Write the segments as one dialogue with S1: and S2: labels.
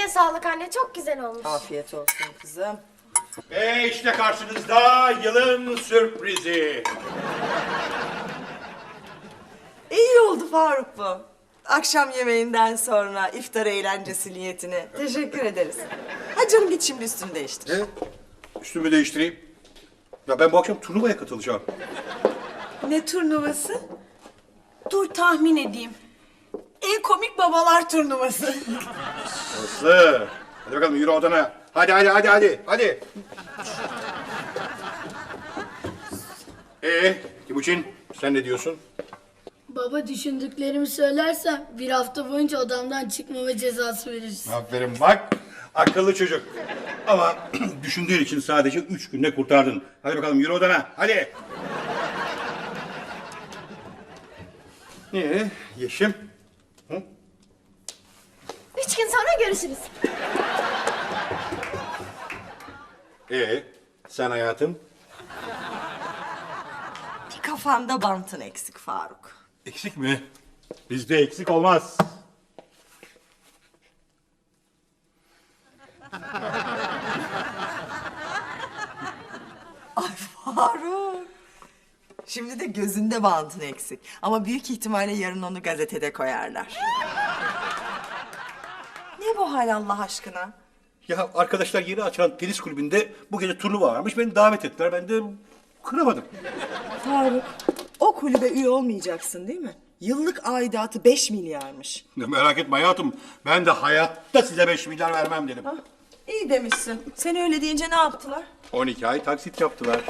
S1: Ellerine sağlık anne, çok güzel olmuş.
S2: Afiyet olsun kızım.
S3: Ve işte karşınızda yılın sürprizi.
S2: İyi oldu Faruk bu. Akşam yemeğinden sonra iftar eğlencesi niyetine. Teşekkür ederiz. Hadi canım git şimdi üstünü değiştir.
S3: Üstümü değiştireyim. Ya ben bu akşam turnuvaya katılacağım.
S2: Ne turnuvası? Dur tahmin edeyim. En komik babalar turnuvası.
S3: Aslı. Hadi bakalım yürü odana. Hadi. Timuçin sen ne diyorsun?
S4: Baba düşündüklerimi söylersem bir hafta boyunca odamdan çıkmama cezası veririz.
S3: Aferin bak. Akıllı çocuk. Ama düşündüğün için sadece 3 günde kurtardın. Hadi bakalım yürü odana. Hadi. Yeşim?
S1: 3 gün sonra görüşürüz.
S3: Sen hayatım?
S2: Bir kafanda bantın eksik Faruk.
S3: Eksik mi? Bizde eksik olmaz.
S2: Ay Faruk. Şimdi de gözünde bantın eksik. Ama büyük ihtimalle yarın onu gazetede koyarlar. Ne bu hal Allah aşkına?
S3: Ya arkadaşlar yeni açılan tenis kulübünde bu gece turnuva varmış. Beni davet ettiler. Ben de kıramadım.
S2: Faruk, o kulübe üye olmayacaksın değil mi? Yıllık aidatı 5 milyarmış.
S3: Ya merak etme hayatım. Ben de hayatta size 5 milyar vermem dedim.
S2: İyi demişsin. Sen öyle deyince ne yaptılar?
S3: 12 ay taksit yaptılar.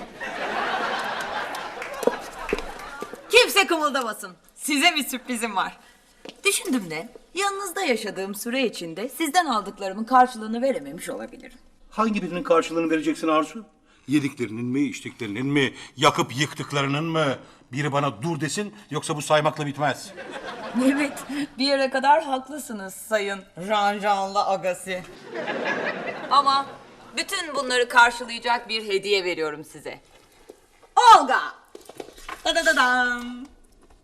S5: Kimse kımıldamasın. Size bir sürprizim var. Düşündüm de yanınızda yaşadığım süre içinde sizden aldıklarımın karşılığını verememiş olabilirim.
S3: Hangi birinin karşılığını vereceksin Arzu? Yediklerinin mi, içtiklerinin mi, yakıp yıktıklarının mı? Biri bana dur desin yoksa bu saymakla bitmez.
S5: Evet, bir yere kadar haklısınız sayın Ranjanlı Agasi. Ama bütün bunları karşılayacak bir hediye veriyorum size. Olga! Dadadadam!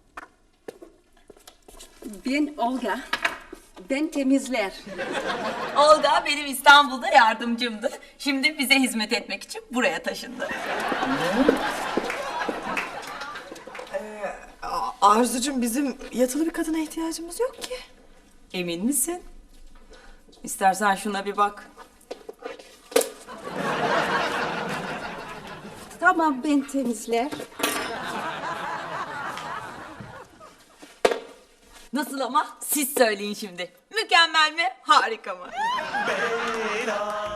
S6: Ben Olga. Ben temizler.
S5: Olga benim İstanbul'da yardımcımdı. Şimdi bize hizmet etmek için buraya taşındı.
S2: Arzucuğum bizim yatılı bir kadına ihtiyacımız yok ki.
S5: Emin misin? İstersen şuna bir bak.
S6: Tamam ben temizler.
S5: Nasıl ama? Siz söyleyin şimdi. Mükemmel mi? Harika mı?
S7: Bela